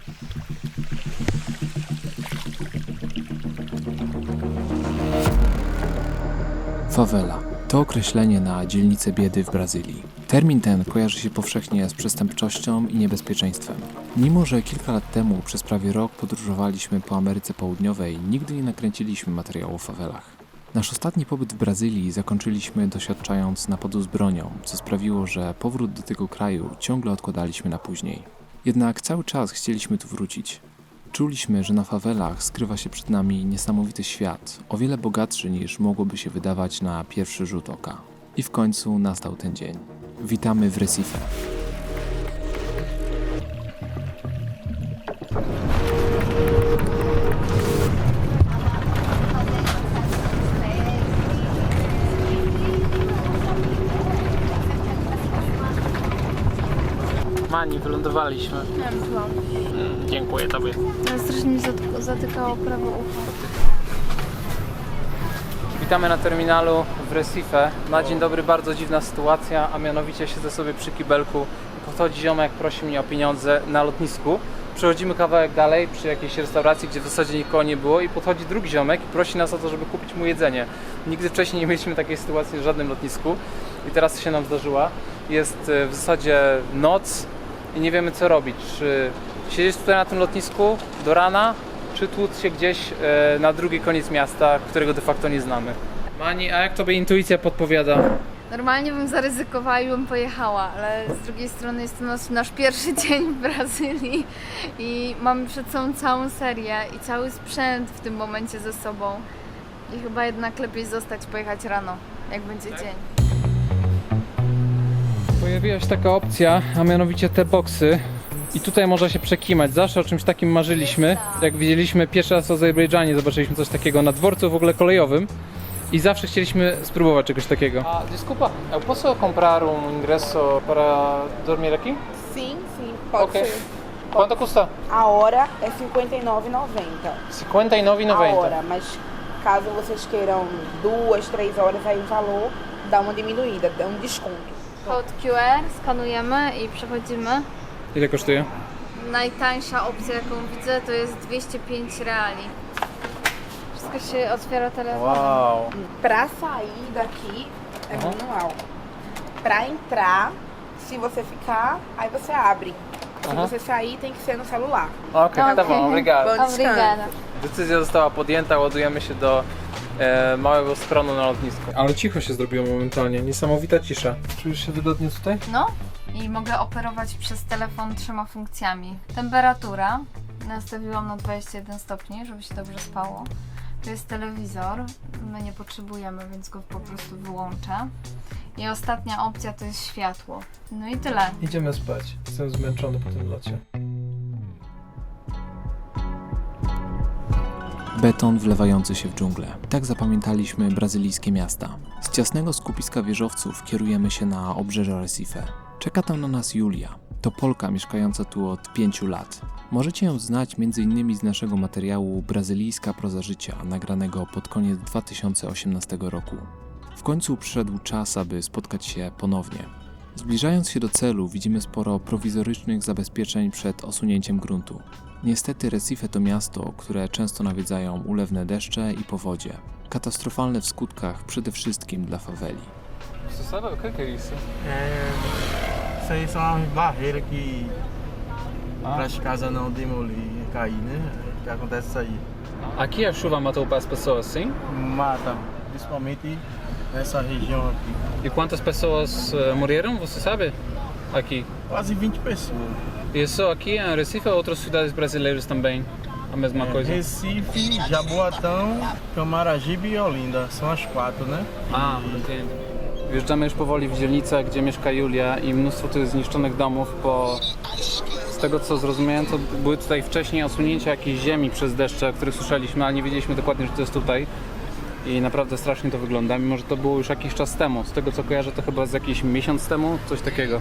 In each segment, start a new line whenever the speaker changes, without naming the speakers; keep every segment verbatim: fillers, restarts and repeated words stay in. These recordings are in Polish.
Fawela to określenie na dzielnicę biedy w Brazylii. Termin ten kojarzy się powszechnie z przestępczością i niebezpieczeństwem. Mimo że kilka lat temu przez prawie rok podróżowaliśmy po Ameryce Południowej, nigdy nie nakręciliśmy materiału o fawelach. Nasz ostatni pobyt w Brazylii zakończyliśmy doświadczając napadu z bronią, co sprawiło, że powrót do tego kraju ciągle odkładaliśmy na później. Jednak cały czas chcieliśmy tu wrócić. Czuliśmy, że na fawelach skrywa się przed nami niesamowity świat, o wiele bogatszy niż mogłoby się wydawać na pierwszy rzut oka. I w końcu nastał ten dzień. Witamy w Recife.
Mani, wylądowaliśmy.
Ja byłam.
Mm, dziękuję tobie.
Ale strasznie mi zatyk- zatykało prawo ucha.
Witamy na terminalu w Recife. Na dzień dobry bardzo dziwna sytuacja, a mianowicie siedzę sobie przy kibelku i podchodzi ziomek, prosi mnie o pieniądze na lotnisku. Przechodzimy kawałek dalej przy jakiejś restauracji, gdzie w zasadzie nikogo nie było i podchodzi drugi ziomek i prosi nas o to, żeby kupić mu jedzenie. Nigdy wcześniej nie mieliśmy takiej sytuacji w żadnym lotnisku i teraz się nam zdarzyła. Jest w zasadzie noc i nie wiemy co robić. Czy siedzieć tutaj na tym lotnisku do rana, czy tłuc się gdzieś e, na drugi koniec miasta, którego de facto nie znamy. Mani, a jak tobie intuicja podpowiada?
Normalnie bym zaryzykowała i bym pojechała, ale z drugiej strony jest to nasz, nasz pierwszy dzień w Brazylii i mamy przed sobą całą serię i cały sprzęt w tym momencie ze sobą. I chyba jednak lepiej zostać, pojechać rano, jak będzie dzień.
Pojawiła się taka opcja, a mianowicie te boksy. I tutaj można się przekimać. Zawsze o czymś takim marzyliśmy. Jak widzieliśmy pierwszy raz w Azerbejdżanie, zobaczyliśmy coś takiego na dworcu w ogóle kolejowym. I zawsze chcieliśmy spróbować czegoś takiego. A, desculpa, eu posso comprar um ingresso para dormir aqui?
Sim, sim, pode
Ok.
ser.
Quanto custa?
A hora é cinquenta e nove e noventa.
cinquenta e nove e
A
noventa.
hora, mas caso vocês queiram duas, três horas, aí o valor dá uma diminuída, dá um desconto.
Kod Q R skanujemy i przechodzimy.
Ile kosztuje?
Najtańsza opcja, jaką widzę, to jest dwieście pięć reali. Wszystko się otwiera telefonem.
Wow.
Pra sair daqui é
Uhum.
manual. Pra entrar, se você ficar, aí você abre. Se
Uhum.
você sair, tem que ser no celular.
Okej, okay,
Okej.
obrigado.
Bom
Obrigada.
Decyzja została podjęta, ładujemy się do e, małego skronu na lotnisku. Ale cicho się zrobiło momentalnie, niesamowita cisza. Czujesz się wygodnie tutaj?
No i mogę operować przez telefon trzema funkcjami. Temperatura nastawiłam na dwadzieścia jeden stopni, żeby się dobrze spało. To jest telewizor, my nie potrzebujemy, więc go po prostu wyłączę. I ostatnia opcja to jest światło. No i tyle.
Idziemy spać. Jestem zmęczony po tym locie.
Beton wlewający się w dżunglę. Tak zapamiętaliśmy brazylijskie miasta. Z ciasnego skupiska wieżowców kierujemy się na obrzeże Recife. Czeka tam na nas Julia. To Polka mieszkająca tu od pięciu lat. Możecie ją znać m.in. z naszego materiału Brazylijska proza życia, nagranego pod koniec dwa tysiące osiemnastego roku. W końcu przyszedł czas, aby spotkać się ponownie. Zbliżając się do celu, widzimy sporo prowizorycznych zabezpieczeń przed osunięciem gruntu. Niestety Recife to miasto, które często nawiedzają ulewne deszcze i powodzie. Katastrofalne w skutkach przede wszystkim dla faweli.
Você sabe o que é isso?
É, isso aí são as barreiras que
Ah.
para as casas não demolir e cair, né? Que acontece isso aí.
Aqui a chuva matou as pessoas, sim?
Mata, principalmente nessa região aqui.
E quantas pessoas uh, morreram, você sabe? Aqui.
Quase vinte pessoas.
E só aqui em Recife ou outras cidades brasileiras também? A mesma
É,
coisa?
Recife, Jaboatão, Camaragibe e Olinda. São as quatro, né?
A, entendo. Wjeżdżamy już powoli w dzielnicę, gdzie mieszka Julia i mnóstwo tu jest zniszczonych domów, bo z tego co zrozumiałem, to były tutaj wcześniej osunięcia jakiejś ziemi przez deszcze, o których słyszeliśmy, ale nie wiedzieliśmy dokładnie, że to jest tutaj. I naprawdę strasznie to wygląda, mimo że to było już jakiś czas temu. Z tego co kojarzę, to chyba z jakiś miesiąc temu, coś takiego.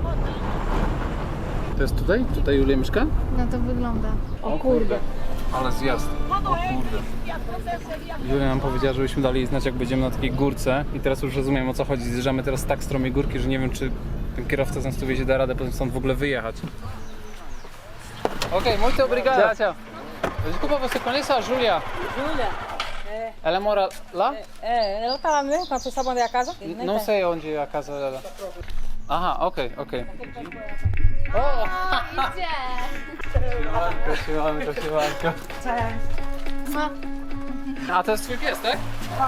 To jest tutaj? Tutaj Julia mieszka?
No to wygląda.
O kurde. Ale zjazd. O kurde. Julia nam powiedziała, żebyśmy dali jej znać, jak będziemy na takiej górce. I teraz już rozumiem, o co chodzi. Zjeżdżamy teraz tak stromej górki, że nie wiem, czy ten kierowca z nas tu wiezie da radę potem stąd w ogóle wyjechać. Ok, muito obrigado. Tchau, tchau. Desculpa, você conhece a Júlia?
Júlia, é,
Ela mora lá?
é, ela tá lá mesmo, pra você sabe onde é a casa?
N- Não sei onde é a casa dela. Aha, okej, okej.
O, idzie!
Siemanko, siemanko, siemanko.
No,
A to jest twój pies, tak?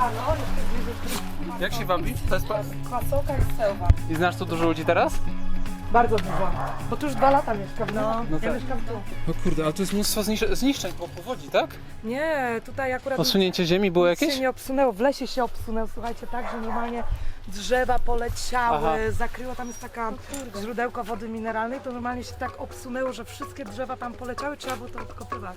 Jak się wabi? To jest pa...
Kwasoka i Selwa.
I znasz tu dużo ludzi teraz?
Bardzo dużo. Bo tu już dwa lata mieszkam, no.
No
Ja
tak.
mieszkam tu.
O kurde, ale tu jest mnóstwo znisz- zniszczeń po powodzi, tak?
Nie, tutaj akurat
Posunięcie ziemi było
nic
jakieś?
się nie obsunęło. W lesie się obsunęło, słuchajcie, tak, że normalnie drzewa poleciały,
Aha.
zakryło, tam jest taka źródełko wody mineralnej, to normalnie się tak obsunęło, że wszystkie drzewa tam poleciały, trzeba było to odkopywać.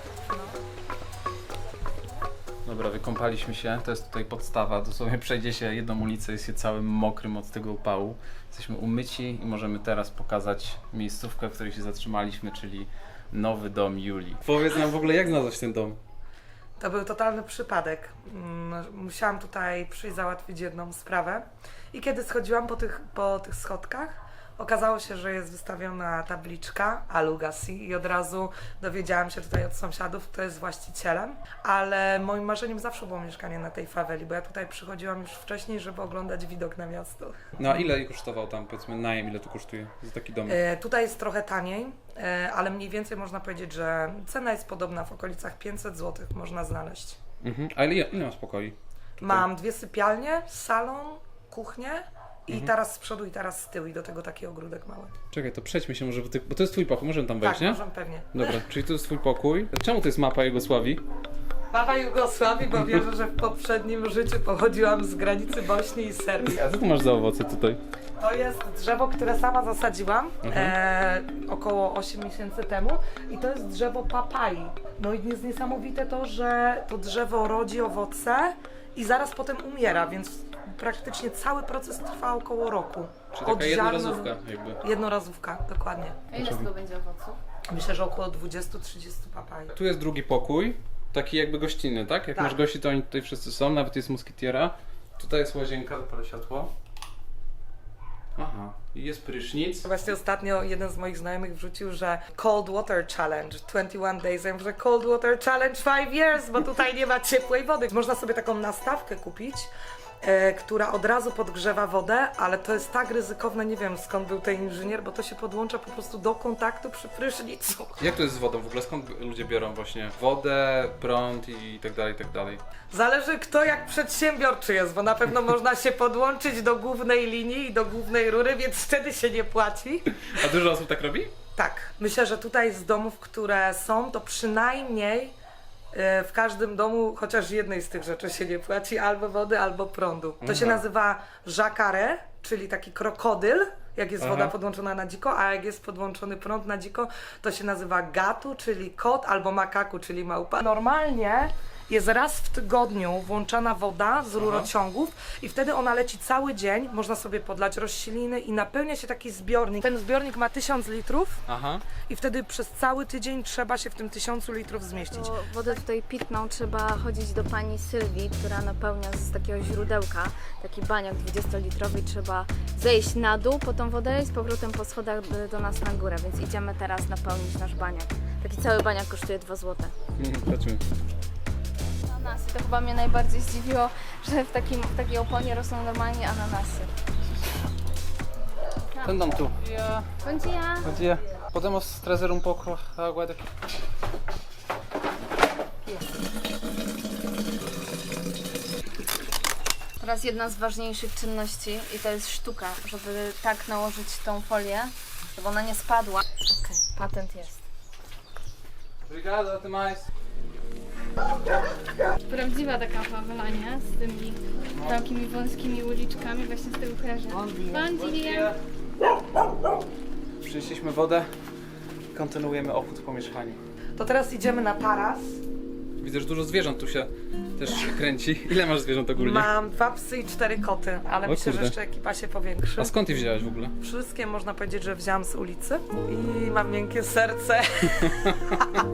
Dobra, wykąpaliśmy się, to jest tutaj podstawa, dosłownie przejdzie się jedną ulicę, jest się całym mokrym od tego upału. Jesteśmy umyci i możemy teraz pokazać miejscówkę, w której się zatrzymaliśmy, czyli nowy dom Julii. Powiedz nam w ogóle, jak znalazłeś ten dom?
To był totalny przypadek. Mm, Musiałam tutaj przyjść załatwić jedną sprawę i kiedy schodziłam po tych, po tych schodkach, okazało się, że jest wystawiona tabliczka Alugasi i od razu dowiedziałam się tutaj od sąsiadów, kto jest właścicielem, ale moim marzeniem zawsze było mieszkanie na tej faweli, bo ja tutaj przychodziłam już wcześniej, żeby oglądać widok na miasto.
No a ile kosztował tam, powiedzmy, najem, ile tu kosztuje za taki dom?
E, tutaj jest trochę taniej, e, ale mniej więcej można powiedzieć, że cena jest podobna, w okolicach pięćset złotych można znaleźć.
Mhm. A ile, ile masz pokoi?
Mam dwie sypialnie, salon, kuchnię i taras z przodu i taras z tyłu i do tego taki ogródek mały.
Czekaj, to przejdźmy się może, bo, ty, bo to jest twój pokój, możemy tam wejść,
Tak,
nie?
możemy pewnie.
Dobra, czyli to jest twój pokój. Czemu to jest mapa Jugosławii?
Mapa Jugosławii, bo wierzę, że w poprzednim życiu pochodziłam z granicy Bośni i Serbii.
A co tu masz za owoce tutaj?
To jest drzewo, które sama zasadziłam e, około osiem miesięcy temu i to jest drzewo papai. No i jest niesamowite to, że to drzewo rodzi owoce i zaraz potem umiera, więc praktycznie cały proces trwa około roku.
Czyli taka
Od
jednorazówka
ziarna-
jakby.
Jednorazówka, dokładnie.
a ile z tego będzie owoców?
Myślę, że około dwadzieścia trzydzieści papai.
Tu jest drugi pokój, taki jakby gościnny, tak? Jak
Tak.
masz gości, to oni tutaj wszyscy są, nawet jest musketiera. Tutaj jest łazienka, zapalę światło. Aha, i jest prysznic.
Właśnie ostatnio jeden z moich znajomych wrzucił, że Cold Water Challenge dwadzieścia jeden days, ja mówię, że Cold Water Challenge pięć years, bo tutaj nie ma ciepłej wody. Można sobie taką nastawkę kupić, e, która od razu podgrzewa wodę, ale to jest tak ryzykowne, nie wiem skąd był ten inżynier, bo to się podłącza po prostu do kontaktu przy prysznicu.
Jak to jest z wodą w ogóle? Skąd ludzie biorą właśnie wodę, prąd i tak dalej, i tak dalej?
Zależy kto jak przedsiębiorczy jest, bo na pewno można się podłączyć do głównej linii i do głównej rury, więc wtedy się nie płaci.
A dużo osób tak robi?
Tak, myślę, że tutaj z domów, które są, to przynajmniej e, w każdym domu chociaż jednej z tych rzeczy się nie płaci, albo wody, albo prądu. To się
Mhm.
nazywa jacare, czyli taki krokodyl, jak jest
Aha.
woda podłączona na dziko, a jak jest podłączony prąd na dziko, to się nazywa gatu, czyli kot, albo makaku, czyli małpa. Normalnie jest raz w tygodniu włączana woda z rurociągów i wtedy ona leci cały dzień, można sobie podlać rośliny i napełnia się taki zbiornik. Ten zbiornik ma tysiąc litrów
Aha.
i wtedy przez cały tydzień trzeba się w tym tysiącu litrów zmieścić.
Bo wodę tutaj pitną trzeba chodzić do pani Sylwii, która napełnia z takiego źródełka taki baniak dwudziestolitrowy i trzeba zejść na dół po tą wodę i z powrotem po schodach do- do nas na górę, więc idziemy teraz napełnić nasz baniak. Taki cały baniak kosztuje dwa złote.
Mhm, zobaczymy.
Ananasy, to chyba mnie najbardziej zdziwiło, że w, takim, w takiej oponie rosną normalnie ananasy.
Ten dom tu. Ja.
Bom dia!
Bom dia. Podemos trazer um pouco a água daqui.
Teraz jedna z ważniejszych czynności i to jest sztuka, żeby tak nałożyć tą folię, żeby ona nie spadła. Okej, patent jest.
Obrigado, até mais.
Prawdziwa taka fawela, nie? Z tymi takimi wąskimi uliczkami, właśnie z tego kojarzę. Bon dia!
Przynieśliśmy wodę, kontynuujemy obchód po mieszkaniu.
To teraz idziemy na taras.
Widzę, że dużo zwierząt tu się też kręci. Ile masz zwierząt ogólnie?
Mam dwa psy i cztery koty, ale
O
myślę,
kurde.
że jeszcze ekipa się powiększy.
A skąd je wziąłeś w ogóle?
Wszystkie można powiedzieć, że wzięłam z ulicy i mam miękkie serce.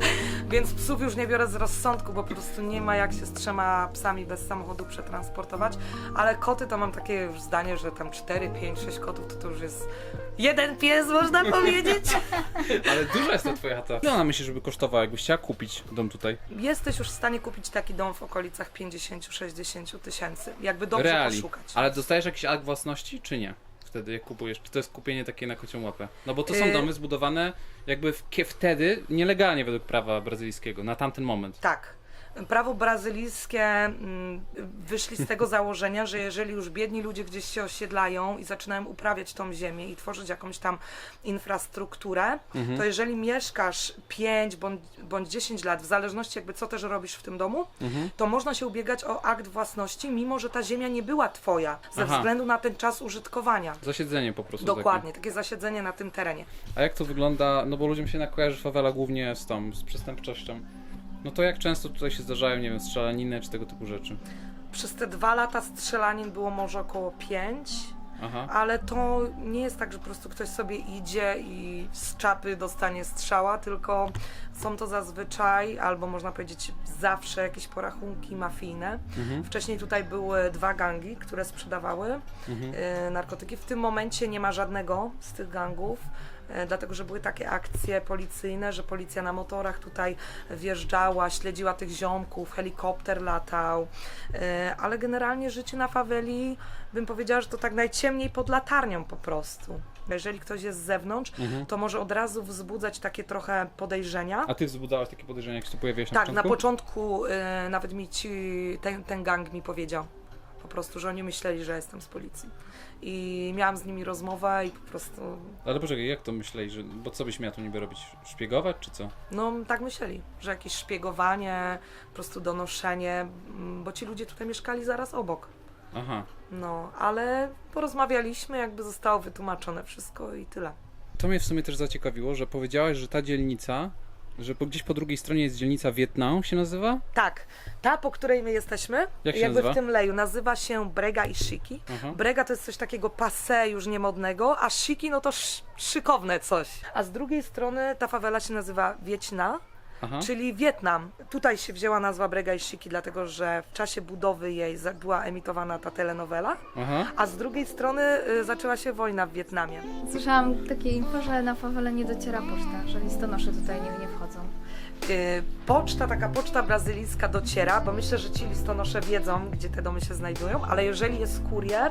Więc psów już nie biorę z rozsądku, bo po prostu nie ma jak się z trzema psami bez samochodu przetransportować. Ale koty to mam takie już zdanie, że tam cztery, pięć, sześć kotów to, to już jest jeden pies, można powiedzieć.
Ale duża jest ta twoja chata. Ile ona myśli, żeby kosztowała, jakbyś chciała kupić dom tutaj?
Jesteś już w stanie kupić taki dom w okolicach pięćdziesiąt do sześćdziesięciu tysięcy, jakby dobrze
Reali.
poszukać.
Ale dostajesz jakiś akt własności, czy nie? Wtedy jak kupujesz, czy to jest kupienie takie na kocią łapę? No bo to są
Yy.
domy zbudowane jakby w, kie- wtedy nielegalnie według prawa brazylijskiego, na tamten moment.
Tak. Prawo brazylijskie mm, wyszli z tego założenia, że jeżeli już biedni ludzie gdzieś się osiedlają i zaczynają uprawiać tą ziemię i tworzyć jakąś tam infrastrukturę,
Mhm.
to jeżeli mieszkasz pięć bądź, bądź dziesięć lat, w zależności jakby co też robisz w tym domu,
Mhm.
to można się ubiegać o akt własności, mimo że ta ziemia nie była twoja, ze
Aha.
względu na ten czas użytkowania.
Zasiedzenie po prostu.
Dokładnie, takie zasiedzenie na tym terenie.
Takie. A jak to wygląda, no bo ludziom się kojarzy fawela głównie z tą, z przestępczością. No to jak często tutaj się zdarzają, nie wiem, strzelaniny czy tego typu rzeczy?
Przez te dwa lata strzelanin było może około pięć.
Aha.
Ale to nie jest tak, że po prostu ktoś sobie idzie i z czapy dostanie strzała, tylko są to zazwyczaj, albo można powiedzieć zawsze jakieś porachunki mafijne.
Mhm.
Wcześniej tutaj były dwa gangi, które sprzedawały
Mhm.
e, narkotyki. W tym momencie nie ma żadnego z tych gangów, e, dlatego że były takie akcje policyjne, że policja na motorach tutaj wjeżdżała, śledziła tych ziomków, helikopter latał, e, ale generalnie życie na faweli, bym powiedziała, że to tak najciemniej pod latarnią po prostu. Jeżeli ktoś jest z zewnątrz,
Mhm.
to może od razu wzbudzać takie trochę podejrzenia.
A ty wzbudzałaś takie podejrzenia, jak się tu pojawiłeś na
Tak, na
początku?
początku y, nawet mi ci, ten, ten gang mi powiedział po prostu, że oni myśleli, że jestem z policji. I miałam z nimi rozmowę i po prostu,
Ale poczekaj, jak to myśleli, że, bo co byś miała tu niby robić? Szpiegować czy co?
no tak myśleli, że jakieś szpiegowanie, po prostu donoszenie, mm, bo ci ludzie tutaj mieszkali zaraz obok.
Aha.
No, ale porozmawialiśmy, jakby zostało wytłumaczone wszystko i tyle.
To mnie w sumie też zaciekawiło, że powiedziałaś, że ta dzielnica, że po, gdzieś po drugiej stronie jest dzielnica Wietnam, się nazywa?
Tak, ta, po której my jesteśmy,
Jak się
jakby
nazywa?
w tym leju, nazywa się Brega i Shiki.
Aha.
Brega to jest coś takiego passé, już niemodnego, a Shiki no to sz szykowne coś. A z drugiej strony ta fawela się nazywa Wietna,
Aha.
czyli Wietnam. Tutaj się wzięła nazwa Brega i Shiki, dlatego że w czasie budowy jej za- była emitowana ta telenowela,
Aha.
a z drugiej strony y, zaczęła się wojna w Wietnamie.
Słyszałam takie info, że na fawelę nie dociera poczta, że listonosze tutaj nie, nie wchodzą.
Y, Poczta, taka poczta brazylijska dociera, bo myślę, że ci listonosze wiedzą, gdzie te domy się znajdują, ale jeżeli jest kurier,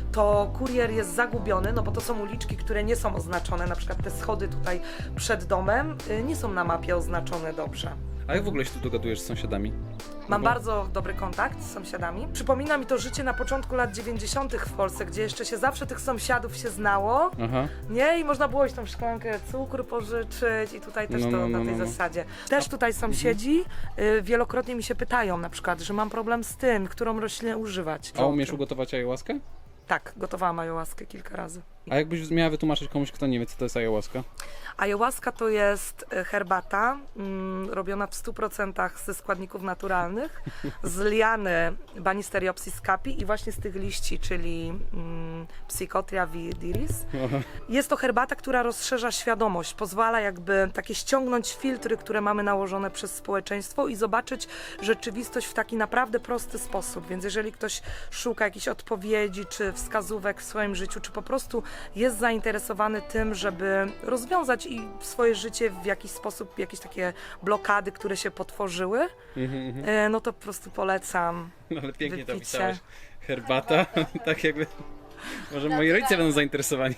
to kurier jest zagubiony, no bo to są uliczki, które nie są oznaczone, na przykład te schody tutaj przed domem y, nie są na mapie oznaczone dobrze.
A jak w ogóle się tu dogadujesz z sąsiadami?
Mam
No bo-
bardzo dobry kontakt z sąsiadami. Przypomina mi to życie na początku lat dziewięćdziesiątych w Polsce, gdzie jeszcze się zawsze tych sąsiadów się znało,
Aha.
nie? I można było iść tą szklankę cukru pożyczyć i tutaj też
No,
to
no,
na
no,
tej
no, no.
zasadzie. Też tutaj sąsiedzi y, wielokrotnie mi się pytają na przykład, że mam problem z tym, którą roślinę używać.
A umiesz ugotować ayahuaskę?
Tak, gotowałam ayahuaskę kilka razy.
A jakbyś miała wytłumaczyć komuś, kto nie wie, co to jest ayahuasca?
Ayahuasca to jest e, herbata mm, robiona w stu procentach ze składników naturalnych, z liany Banisteriopsis capi i właśnie z tych liści, czyli mm, Psychotria viridis. Jest to herbata, która rozszerza świadomość, pozwala jakby takie ściągnąć filtry, które mamy nałożone przez społeczeństwo i zobaczyć rzeczywistość w taki naprawdę prosty sposób. Więc jeżeli ktoś szuka jakichś odpowiedzi czy wskazówek w swoim życiu, czy po prostu jest zainteresowany tym, żeby rozwiązać i swoje życie w jakiś sposób, jakieś takie blokady, które się potworzyły,
Mhm, mhm.
e, no to po prostu polecam.
No ale pięknie to
Wypicie.
pisałaś. Herbata, tak jakby... Może moi rodzice będą zainteresowani.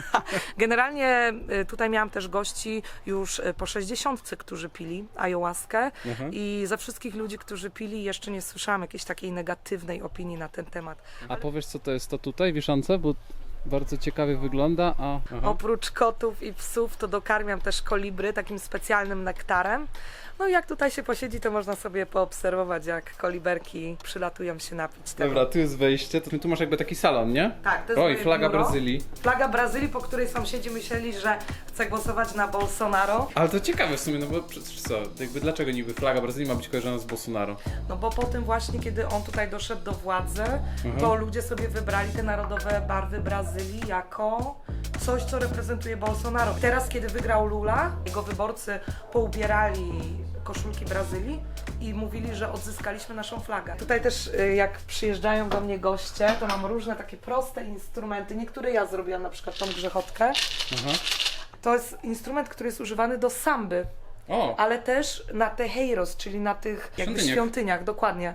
Generalnie y, tutaj miałam też gości już y, po sześćdziesiątce, którzy pili ayahuaskę
Aha.
i ze wszystkich ludzi, którzy pili, jeszcze nie słyszałam jakiejś takiej negatywnej opinii na ten temat.
A powiesz, co to jest to tutaj, wieszance? Bo bardzo ciekawie wygląda, a... Aha.
Oprócz kotów i psów to dokarmiam też kolibry takim specjalnym nektarem. No i jak tutaj się posiedzi, to można sobie poobserwować, jak koliberki przylatują się napić tego.
Dobra, tu jest wejście, to tu masz jakby taki salon, nie?
Tak, to jest
Oj,
moje
flaga
biuro.
Brazylii.
Flaga Brazylii, po której sąsiedzi myśleli, że chcę głosować na Bolsonaro.
Ale to ciekawe w sumie, no bo przecież co, jakby dlaczego niby flaga Brazylii ma być kojarzona z Bolsonaro?
No bo po tym właśnie, kiedy on tutaj doszedł do władzy,
Mhm.
to ludzie sobie wybrali te narodowe barwy Brazylii jako coś, co reprezentuje Bolsonaro. Teraz, kiedy wygrał Lula, jego wyborcy poubierali koszulki Brazylii i mówili, że odzyskaliśmy naszą flagę. Tutaj też y, jak przyjeżdżają do mnie goście, to mam różne takie proste instrumenty. Niektóre ja zrobiłam, na przykład tą grzechotkę.
Aha.
To jest instrument, który jest używany do samby,
O,
ale też na teheiros, czyli na tych jakby
Świątyniach.
świątyniach, dokładnie.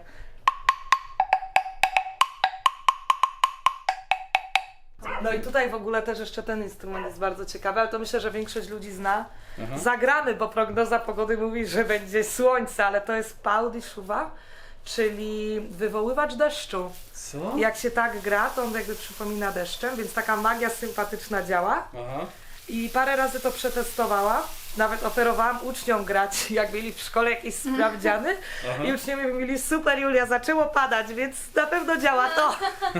No i tutaj w ogóle też jeszcze ten instrument jest bardzo ciekawy, ale to myślę, że większość ludzi zna.
Aha.
Zagramy, bo prognoza pogody mówi, że będzie słońce, ale to jest pau de chuva, czyli wywoływacz deszczu.
co?
Jak się tak gra, to on jakby przypomina deszczem, więc taka magia sympatyczna działa.
Aha.
I parę razy to przetestowała. Nawet oferowałam uczniom grać, jak mieli w szkole jakieś sprawdziany.
Aha.
I uczniowie mówili, super Julia, zaczęło padać, więc na pewno działa to.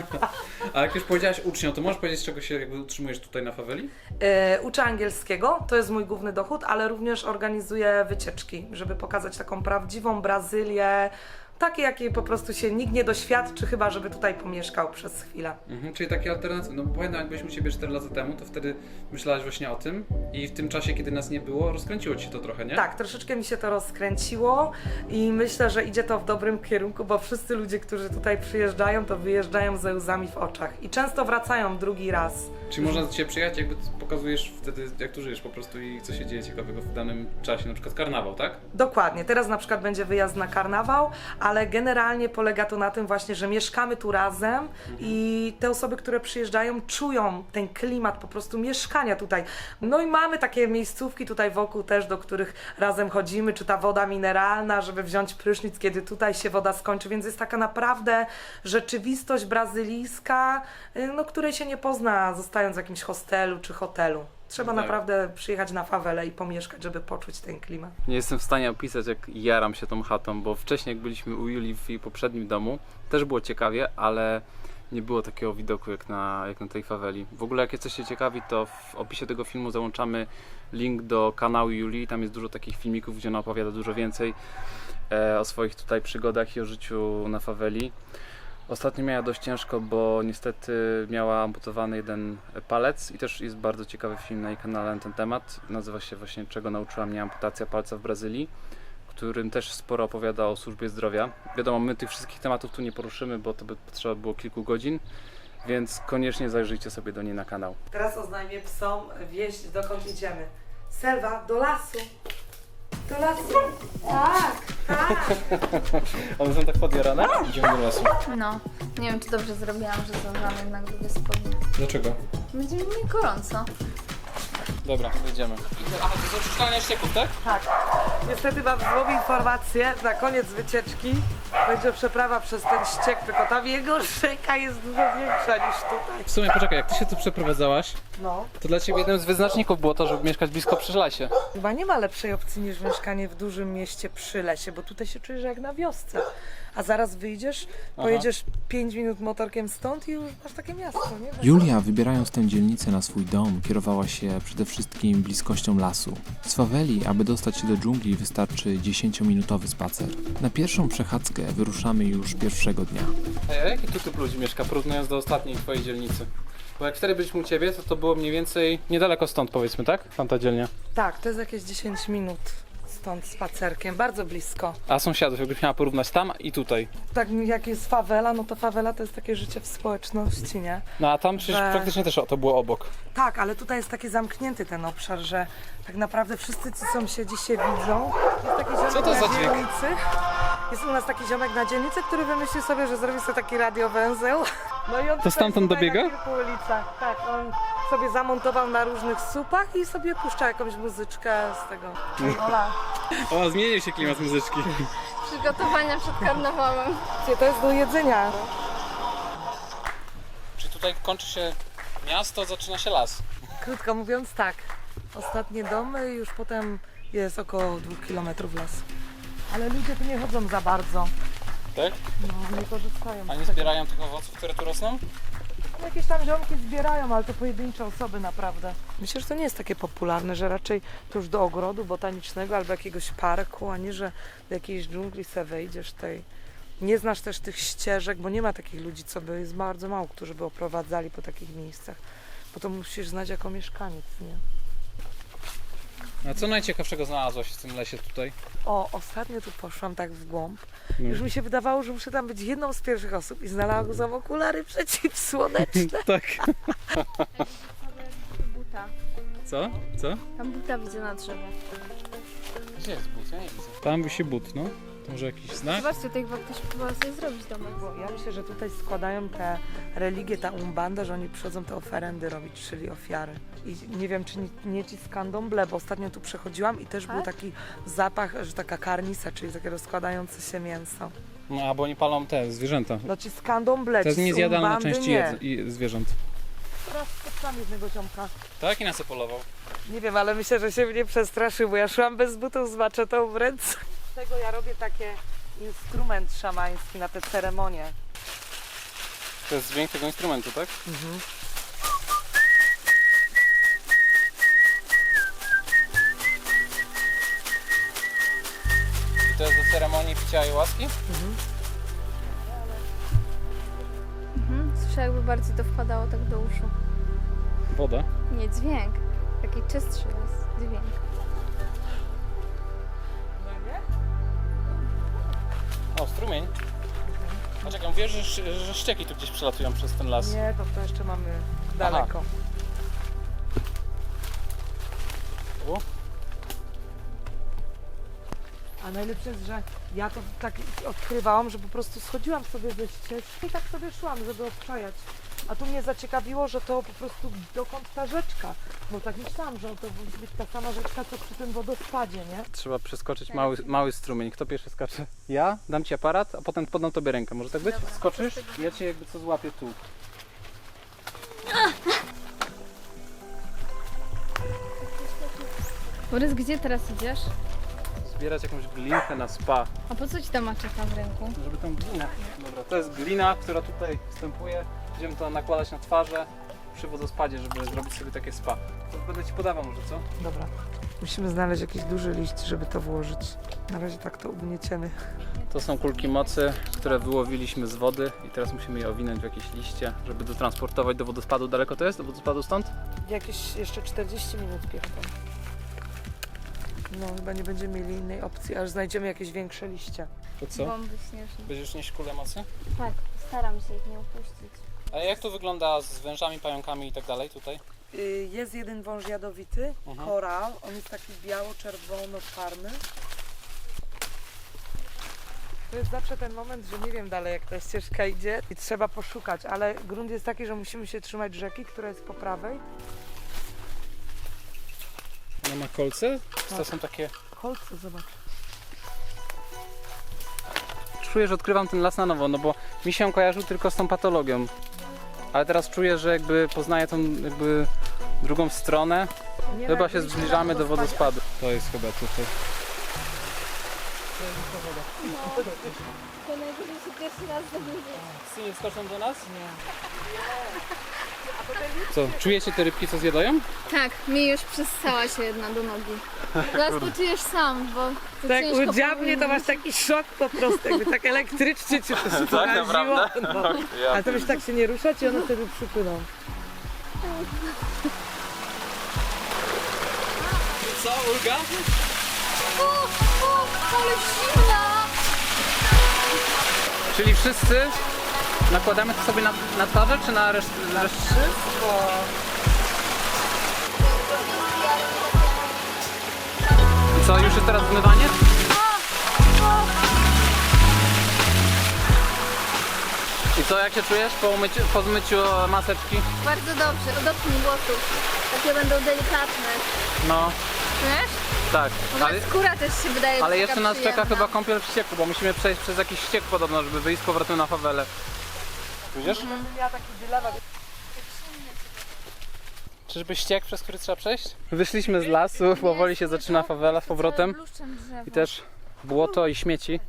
A jak już powiedziałaś uczniom, to możesz powiedzieć, z czego się jakby utrzymujesz tutaj na faweli?
E, uczę angielskiego, to jest mój główny dochód, ale również organizuję wycieczki, żeby pokazać taką prawdziwą Brazylię, takie jakiej po prostu się nikt nie doświadczy, chyba żeby tutaj pomieszkał przez chwilę.
Mhm, czyli takie alternacje. No pamiętam, jak byliśmy u Ciebie cztery lata temu, to wtedy myślałaś właśnie o tym i w tym czasie, kiedy nas nie było, rozkręciło Ci się to trochę, nie?
Tak, troszeczkę mi się to rozkręciło i myślę, że idzie to w dobrym kierunku, bo wszyscy ludzie, którzy tutaj przyjeżdżają, to wyjeżdżają ze łzami w oczach i często wracają drugi raz.
Czy można do Ciebie przyjechać, jakby pokazujesz wtedy, jak tu żyjesz po prostu i co się dzieje ciekawego w danym czasie, na przykład karnawał, tak?
Dokładnie, teraz na przykład będzie wyjazd na karnawał, ale generalnie polega to na tym właśnie, że mieszkamy tu razem i te osoby, które przyjeżdżają, czują ten klimat po prostu mieszkania tutaj. No i mamy takie miejscówki tutaj wokół też, do których razem chodzimy, czy ta woda mineralna, żeby wziąć prysznic, kiedy tutaj się woda skończy, więc jest taka naprawdę rzeczywistość brazylijska, y, no, której się nie pozna zostając w jakimś hostelu czy hotelu. Trzeba
Tak.
naprawdę przyjechać na fawelę i pomieszkać, żeby poczuć ten klimat.
Nie jestem w stanie opisać, jak jaram się tą chatą, bo wcześniej, jak byliśmy u Julii w jej poprzednim domu, też było ciekawie, ale nie było takiego widoku jak na, jak na tej faweli. W ogóle, jak jesteście ciekawi, to w opisie tego filmu załączamy link do kanału Julii. Tam jest dużo takich filmików, gdzie ona opowiada dużo więcej e, o swoich tutaj przygodach i o życiu na faweli. Ostatnio miała dość ciężko, bo niestety miała amputowany jeden palec i też jest bardzo ciekawy film na jej kanale na ten temat. Nazywa się właśnie Czego nauczyła mnie amputacja palca w Brazylii, w którym też sporo opowiada o służbie zdrowia. Wiadomo, my tych wszystkich tematów tu nie poruszymy, bo to by potrzeba było kilku godzin, więc koniecznie zajrzyjcie sobie do niej na kanał.
Teraz oznajmię psom wieść, dokąd idziemy. Selwa, do lasu. Do lasu. Tak, tak.
One są tak podjarane? Idziemy do lasu.
No, nie wiem, czy dobrze zrobiłam, że zabrałam jednak długie spodnie.
Dlaczego?
Będzie mi gorąco.
Dobra, jedziemy. Aha, to jest oczyszczanie ścieków, tak?
Tak. Niestety mam złą informację. Na koniec wycieczki będzie przeprawa przez ten ściek, tylko tam jego rzeka jest dużo większa niż tutaj.
W sumie, poczekaj, jak Ty się tu przeprowadzałaś,
No.
to dla Ciebie jednym z wyznaczników było to, żeby mieszkać blisko przy lesie.
Chyba nie ma lepszej opcji niż mieszkanie w dużym mieście przy lesie, bo tutaj się czujesz jak na wiosce. A zaraz wyjdziesz, pojedziesz pięć minut motorkiem stąd i już masz takie miasto, nie?
Julia, wybierając tę dzielnicę na swój dom, kierowała się przede wszystkim bliskością lasu. Z faweli, aby dostać się do dżungli, wystarczy dziesięciominutowy spacer. Na pierwszą przechadzkę wyruszamy już pierwszego dnia.
A jaki tu typ ludzi mieszka, porównując do ostatniej Twojej dzielnicy? Bo jak wtedy byliśmy u Ciebie, to to było mniej więcej niedaleko stąd, powiedzmy, tak? Tamta dzielnia.
Tak, to jest jakieś dziesięć minut stąd spacerkiem, bardzo blisko.
A sąsiadów, jakbyś miała porównać tam i tutaj.
Tak jak jest fawela, no to fawela to jest takie życie w społeczności, nie?
No a tam przecież
Że-
praktycznie też to było obok.
Tak, ale tutaj jest taki zamknięty ten obszar, że tak naprawdę wszyscy ci sąsiedzi się widzą. Jest taki ziomek
Co to
na
za dźwięk?
dzielnicy. Jest u nas taki ziomek na dzielnicy, który wymyślił sobie, że zrobi sobie taki radiowęzeł. No i on tutaj
stamtąd
tutaj
dobiega?
Na kilku ulicach. Tak, on sobie zamontował na różnych słupach i sobie puszcza jakąś muzyczkę z tego. Ola.
O, zmienił się klimat muzyczki.
Przygotowania przed karnawałem.
To jest do jedzenia.
Czy tutaj kończy się miasto, zaczyna się las?
Krótko mówiąc tak. Ostatnie domy, już potem jest około dwóch kilometrów lasu. Ale ludzie tu nie chodzą za bardzo.
Tak?
No, nie korzystają.
A
z
nie
tego.
zbierają tych owoców, które tu rosną?
Jakieś tam ziomki zbierają, ale to pojedyncze osoby naprawdę. Myślę, że to nie jest takie popularne, że raczej to już do ogrodu botanicznego albo jakiegoś parku, a nie, że do jakiejś dżungli se wejdziesz tej. Nie znasz też tych ścieżek, bo nie ma takich ludzi, co by, jest bardzo mało, którzy by oprowadzali po takich miejscach. bo to musisz znać jako mieszkaniec, nie?
A co najciekawszego znalazłaś w tym lesie tutaj?
O, ostatnio tu poszłam tak w głąb.
No.
Już mi się wydawało, że muszę tam być jedną z pierwszych osób i znalazłam okulary przeciwsłoneczne.
Tak.
Buta.
Co? Co?
Tam buta widzę na drzewie.
Gdzie jest but? Ja nie widzę. Tam wisi but, no. To może jakiś znak?
Zobaczcie, tutaj chyba ktoś próbował sobie zrobić domek.
Bo ja myślę, że tutaj składają te religie, ta umbanda, że oni przychodzą te oferendy robić, czyli ofiary. I nie wiem, czy nie, nie ci z candomblé, bo ostatnio tu przechodziłam i też był
Tak?
taki zapach, że taka karnisa, czyli takie rozkładające się mięso.
No, albo oni palą te zwierzęta.
No ci z candomblé,
To jest
ci z
niezjadalna
umbandy
część
nie.
jedz- i zwierząt.
Teraz spotkałam jednego ziomka.
Tak? I na co polował?
Nie wiem, ale myślę, że się mnie przestraszył, bo ja szłam bez butów z maczetą w ręce. Z tego ja robię takie instrument szamański na te ceremonie.
To jest dźwięk tego instrumentu, tak?
Mhm.
I to jest do ceremonii picia ayahuaski?
Mhm. Słyszę, jakby bardziej to wpadało tak do uszu.
Woda.
Nie, dźwięk. Taki czystszy jest dźwięk.
O, strumień. A czekaj, wiesz, że, że ścieki tu gdzieś przelatują przez ten las.
Nie, to, to jeszcze mamy daleko.
U?
A najlepsze jest, że ja to tak odkrywałam, że po prostu schodziłam sobie ze ścieżki i tak sobie szłam, żeby obczajać. A tu mnie zaciekawiło, że to po prostu dokąd ta rzeczka. Bo tak myślałam, że to musi być ta sama rzeczka, co przy tym wodospadzie, nie?
Trzeba przeskoczyć mały, mały strumień. Kto pierwszy skacze? Ja dam ci aparat, a potem podam tobie rękę. Może tak być? Skoczysz? Ja cię jakby co złapię tu.
Borys, gdzie teraz idziesz?
Zbierać jakąś glinkę na spa.
A po co ci ta maczeta w ręku?
Żeby tą glinę. Dobra, to jest glina, która tutaj występuje. Będziemy to nakładać na twarze przy wodospadzie, żeby zrobić sobie takie spa. To będę ci podawał może, co?
Dobra. Musimy znaleźć jakiś duży liść, żeby to włożyć. Na razie tak to ugnieciemy.
To są kulki mocy, które wyłowiliśmy z wody i teraz musimy je owinąć w jakieś liście, żeby dotransportować do wodospadu. Daleko to jest? Do wodospadu stąd?
Jakieś jeszcze czterdzieści minut piechotą. No chyba nie będziemy mieli innej opcji, aż znajdziemy jakieś większe liście.
To co?
Bomby śnieżne.
Będziesz nieść kulę mocy?
Tak, staram się ich nie upuścić.
A jak to wygląda z wężami, pająkami i tak dalej tutaj?
Y, Jest jeden wąż jadowity,
Mhm.
koral. On jest taki biało-czerwono-czarny. To jest zawsze ten moment, że nie wiem dalej jak ta ścieżka idzie i trzeba poszukać, ale grunt jest taki, że musimy się trzymać rzeki, która jest po prawej.
Ona ma kolce? Czy to są takie...
Kolce, zobacz.
Czuję, że odkrywam ten las na nowo, no bo mi się kojarzył tylko z tą patologią. Ale teraz czuję, że jakby poznaję tą jakby drugą stronę.
Nie
Chyba
tak,
się
byliśmy
zbliżamy
na
do
wodospadzie.
wodospadu. To jest chyba tutaj.
To najwyżej się pierwszy raz zaburzy.
Psy nie skoczą do nas? Nie. Co, czujecie te rybki, co zjadają?
Tak, mi już przystała się jedna do nogi. Zaraz poczujesz sam, bo to
Tak,
ciężko
udziałnie to masz
powiedzieć.
taki szok po prostu, jakby tak elektrycznie cię to się poraziło. No. Ale to byś tak się nie ruszać i one wtedy przypłyną.
Co, Ulga?
O, o, ale zimna!
Czyli wszyscy nakładamy to sobie na, na twarze, czy na resztę? Na resztę?
Wszystko.
I co, już jest teraz zmywanie? I co, jak się czujesz po, umyciu, po zmyciu maseczki?
Bardzo dobrze, dotknij włosów. Takie będą delikatne.
No,
Wiesz?
tak.
W ogóle
Ale,
skóra też się wydaje
ale
taka
jeszcze nas czeka
przyjemna.
chyba kąpiel w ścieku, bo musimy przejść przez jakiś ściek podobno, żeby wyjść z powrotem na fawelę. Widzisz?
Będę miała taki dylemat.
Czyżby ściek, przez który trzeba przejść? Wyszliśmy z lasu, powoli się zaczyna fawela z powrotem.
Bluszczem drzewo.
I też błoto i śmieci.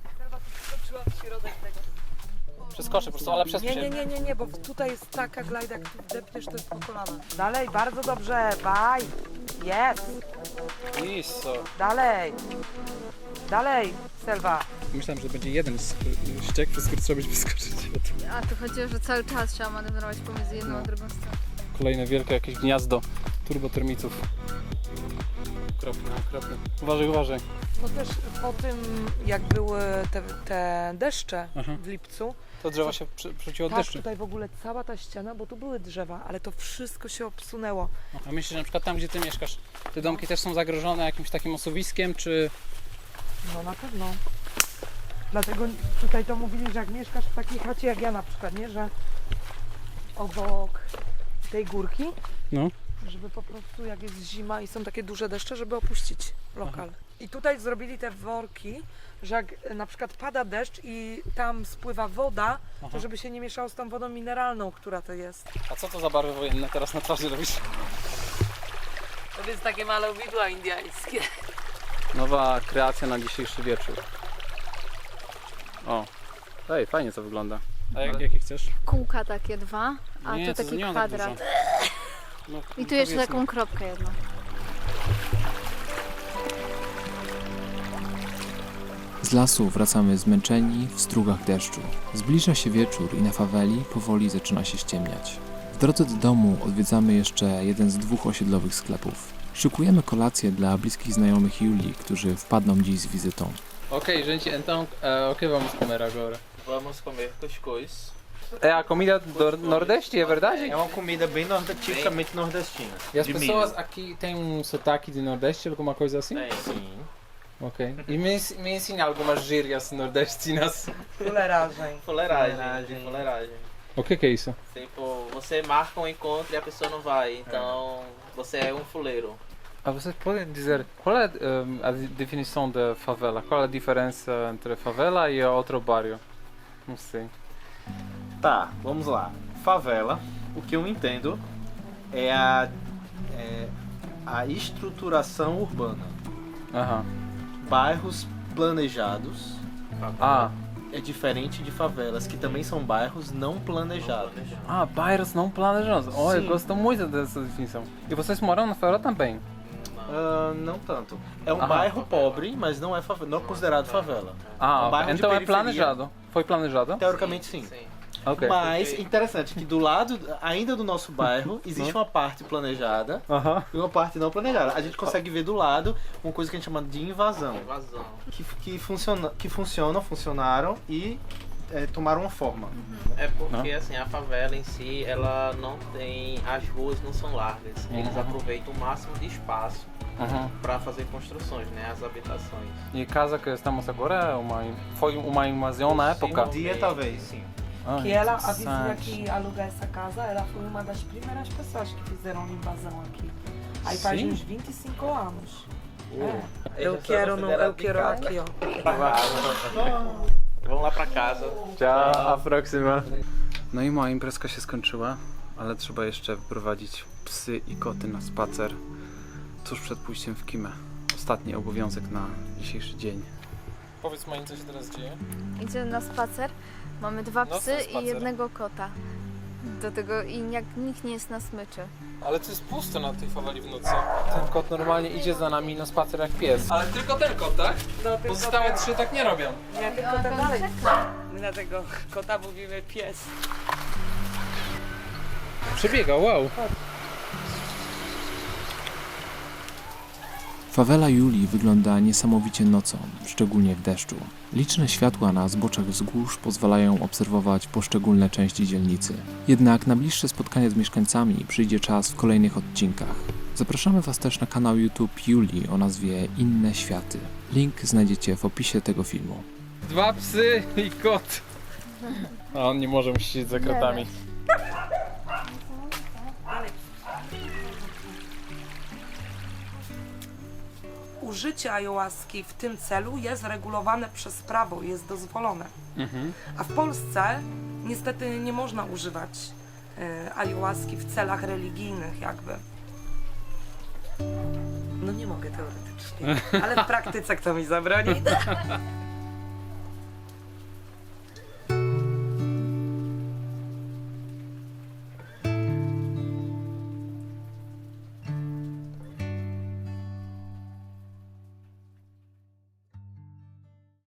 Przeskoczę po prostu, ale przez
Nie, nie, nie, nie, nie, bo tutaj jest taka glajda, jak tu wdepniesz, to jest po kolana. Dalej, bardzo dobrze, baj. Jest.
Iso.
Dalej. Dalej, Selwa.
Myślałem, że będzie jeden ściek, przez który trzeba będzie wyskoczyć.
A tu chodziło, że cały czas trzeba manewrować pomiędzy jedną a drugą stroną.
Kolejne wielkie jakieś gniazdo turbotermitów. Okropne, okropne. Uważaj, uważaj.
No też po tym, jak były te, te deszcze
Aha.
w lipcu,
To drzewo się przy- przerzuciło od
tak,
deszczu.
tutaj w ogóle cała ta ściana, bo tu były drzewa, ale to wszystko się obsunęło.
A myślisz, że na przykład tam, gdzie ty mieszkasz, te domki też są zagrożone jakimś takim osuwiskiem, czy...
No na pewno. Dlatego tutaj to mówili, że jak mieszkasz w takiej chacie jak ja na przykład, nie, że obok tej górki,
No.
żeby po prostu jak jest zima i są takie duże deszcze, żeby opuścić lokal. I tutaj zrobili te worki, że jak e, na przykład pada deszcz i tam spływa woda,
Aha.
to żeby się nie mieszało z tą wodą mineralną, która to jest.
A co to za barwy wojenne teraz na twarzy robisz?
To jest takie malowidła indyjskie.
Nowa kreacja na dzisiejszy wieczór. O, ej, fajnie to wygląda. A jak, jakie chcesz?
Kółka takie dwa, a
Nie,
tu
to
taki
nie mam tak
kwadrat.
dużo. No,
I tu jeszcze
powiedzmy.
taką kropkę jedną.
Z lasu wracamy zmęczeni w strugach deszczu. Zbliża się wieczór i na faweli powoli zaczyna się ściemniać. W drodze do domu odwiedzamy jeszcze jeden z dwóch osiedlowych sklepów. Szykujemy kolację dla bliskich znajomych Julii, którzy wpadną dziś z wizytą.
Ok, gente, então uh, o que vamos comer agora?
Vamos comer cuscuz.
É a comida do Nordeste, é verdade?
É uma comida bem nord tipicamente nordestina.
E as
de
pessoas
milho.
aqui têm um sotaque de Nordeste, alguma coisa assim?
Tem, sim.
Ok. E me, ens- me ensina algumas gírias nordestinas.
Fuleiragem.
Fuleiragem.
Fuleiragem.
Fuleiragem.
O que que é isso?
Tipo, você marca um encontro e a pessoa não vai. Então, você é um fuleiro.
Ah, vocês podem dizer qual é ehm, a di- definição de favela? Qual é a diferença entre favela e outro bairro? Não sei.
Tá, vamos lá. Favela, o que eu entendo é a, é a estruturação urbana.
Aham.
Bairros planejados
Ah,
é diferente de favelas, que também são bairros não planejados.
ah, bairros não planejados. Oh, eu
Sim.
gosto muito dessa definição. E vocês moram na favela também?
Ah, não tanto. É um
Aham.
bairro pobre, mas não é favela, não é considerado favela.
Ah,
Um bairro de
então é
periferia.
planejado. Foi planejado?
Teoricamente sim.
Ok.
Mas interessante que do lado ainda do nosso bairro existe uma parte planejada
Aham.
e uma parte não planejada. A gente consegue ver do lado uma coisa que a gente chama de invasão.
Invasão.
Que, que, funciona, que funcionam, funcionaram e é, tomaram uma forma.
É porque
Não?
assim, a favela em si, ela não tem. As ruas não são largas. Eles
Uhum.
aproveitam o máximo de espaço
Aham.
para fazer construções, né? As habitações.
E a casa que estamos agora é uma, foi uma invasão na época?
Um dia talvez, sim.
Ah,
Que ela, a vizinha
interessante.
que aluga essa casa, ela foi uma das primeiras pessoas que fizeram invasão aqui. Aí faz
Sim?
uns vinte e cinco anos. É.
Eles
Eu
são
quero, no, eu
considerados
quero
de
aqui, ó.
Vamos lá para casa.
Ciao, a próxima. No i moja imprezka się skończyła, ale trzeba jeszcze wyprowadzić psy i koty na spacer tuż przed pójściem w kimę. Ostatni obowiązek na dzisiejszy dzień. Powiedz Mai, co się teraz dzieje?
Idziemy na spacer. Mamy dwa
Nocny
psy
spacer.
i jednego kota. Do tego i jak nikt nie jest na smyczy.
Ale to jest pusto na tej faweli w nocy. Ten kot normalnie idzie za nami na spacer jak pies. Ale tylko ten kot, tak?
No, tylko
Pozostałe
ten.
trzy tak nie robią.
Nie, tylko ten dalej. My na tego kota mówimy pies.
Przebiega, wow.
Fawela Julii wygląda niesamowicie nocą, szczególnie w deszczu. Liczne światła na zboczach wzgórz pozwalają obserwować poszczególne części dzielnicy. Jednak na bliższe spotkanie z mieszkańcami przyjdzie czas w kolejnych odcinkach. Zapraszamy Was też na kanał YouTube Julii o nazwie Inne Światy. Link znajdziecie w opisie tego filmu.
Dwa psy i kot. A on nie może siedzieć za kratami.
Użycie ayahuaski w tym celu jest regulowane przez prawo, jest dozwolone.
Mhm.
A w Polsce niestety nie można używać y, ayahuaski w celach religijnych jakby. No nie mogę teoretycznie, ale w praktyce kto mi zabroni?